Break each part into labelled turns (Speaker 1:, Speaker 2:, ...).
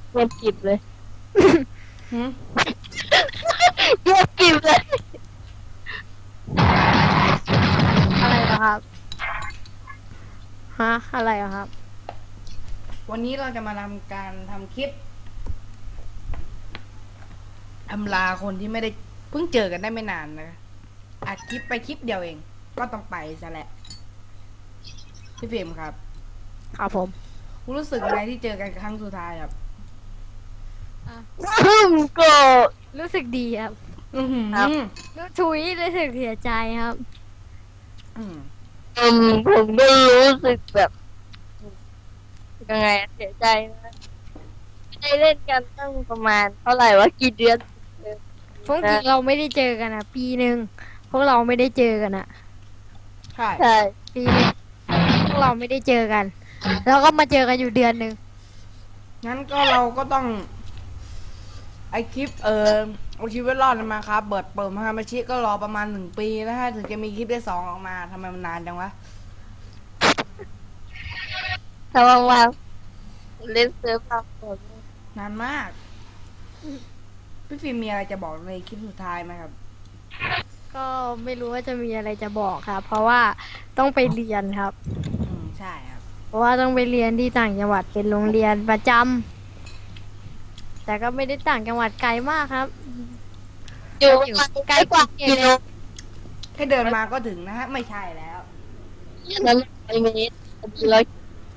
Speaker 1: เงียบกริบเลย
Speaker 2: หืม
Speaker 1: เงียบกริบเลย
Speaker 3: อะไรเหรอครับฮะอะไรเหรอครับ
Speaker 2: วันนี้เราจะมาทำการทำคลิปอำลาคนที่ไม่ได้เพิ่งเจอกันได้ไม่นานนะอัดคลิปไปคลิปเดียวเอง ก็ต้องไปซะแหละพี่ฟิล์มครับ
Speaker 3: ครับผม
Speaker 2: คุณรู้สึกยังไงที่เจอกันครั้งสุดท้ายครับ
Speaker 1: ก็
Speaker 3: รู้สึกดีครับ
Speaker 2: อือหือ
Speaker 1: ครับ
Speaker 3: รู้สึกเสียใจครับ
Speaker 2: อืม
Speaker 1: ผมก็รู้สึกแบบยังไงเสียใจนะไม่ได้เล่นกันตั้งประมาณเท่าไหร่วะกี่เดือน
Speaker 3: พวกจริงเราไม่ได้เจอกันอ่ะ ปีหนึ่งพวกเราไม่ได้เจอกันอ่ะ
Speaker 2: ใช่
Speaker 1: ใช่
Speaker 3: ปีหนึงพวกเราไม่ได้เจอกัน แล้วก็มาเจอกันอยู่เดือนหนึ่ง
Speaker 2: งั้นก็เราก็ต้อง ไอคลิปเอาชีวิตรอดมาครับเปิดมาฮามาชิก็รอประมาณ1 ปีนะฮะถึงจะมีคลิปได้2ออกมาทำไมมันนานจังวะ
Speaker 1: ถ้าว่างๆเล่นเซิร์ฟเราผม
Speaker 2: นานมาก พี่ฟิล์มมีอะไรจะบอกในคลิปสุดท้ายไหมครับ
Speaker 3: ก็ไม่รู้ว่าจะมีอะไรจะบอกครับ เพราะว่าต้องไปเรียนครับ
Speaker 2: ใช่ครับ
Speaker 3: เพราะว่าต้องไปเรียนที่ต่างจังหวัดเป็นโรงเรียนประจำแต่ก็ไม่ได้ต่างจังหวัดไกลมากครับ
Speaker 1: อยู่ประมาณใกล้กว่ากิโล
Speaker 2: แค่เดินมาก็ถึงนะฮะ ไม่ใช่แล้ว
Speaker 1: นั้นไปเมตรร้อย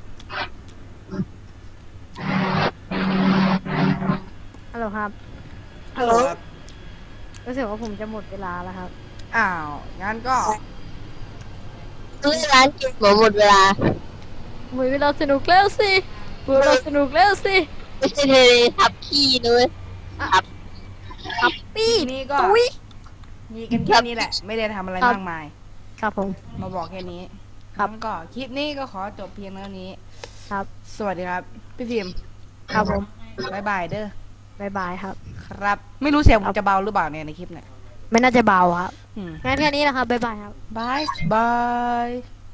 Speaker 3: ฮัลโหลครับ
Speaker 2: ฮัลโหลครับ
Speaker 3: รู้สึกว่าผมจะหมดเวลาแล้วครับ
Speaker 2: อ้าว งั้นก็
Speaker 1: เล่นร้านเกมหมดเวลา
Speaker 3: หมดเวลาสนุกแล้วสิหมดเวลาสนุกแล้วสิ
Speaker 1: ไม่ใช่ทะเลทับพี่ด้วยครับ
Speaker 3: ครับปี้
Speaker 2: นี่ก็
Speaker 3: ตุ้ย
Speaker 2: มีกันแค่นี้แหละ ไม่ได้ทำอะไรมากมาย
Speaker 3: ครับผม
Speaker 2: มาบอกแค่นี้
Speaker 3: ครับ
Speaker 2: งั้นก็คลิปนี้ก็ขอจบเพียงเท่านี้
Speaker 3: ครับ
Speaker 2: สวัสดีครับ พี่ฟิล์ม
Speaker 3: ครับผม
Speaker 2: บายบายเด้อ
Speaker 3: บายบายครับ
Speaker 2: ครับ ไม่รู้เสียงผมจะเบาหรือเปล่าเนี่ยในคลิปเนี่ย
Speaker 3: ไม่น่าจะเบาครับ
Speaker 2: อืม
Speaker 3: งั้นแค่นี้นะครับบายบายครับ
Speaker 2: บายบาย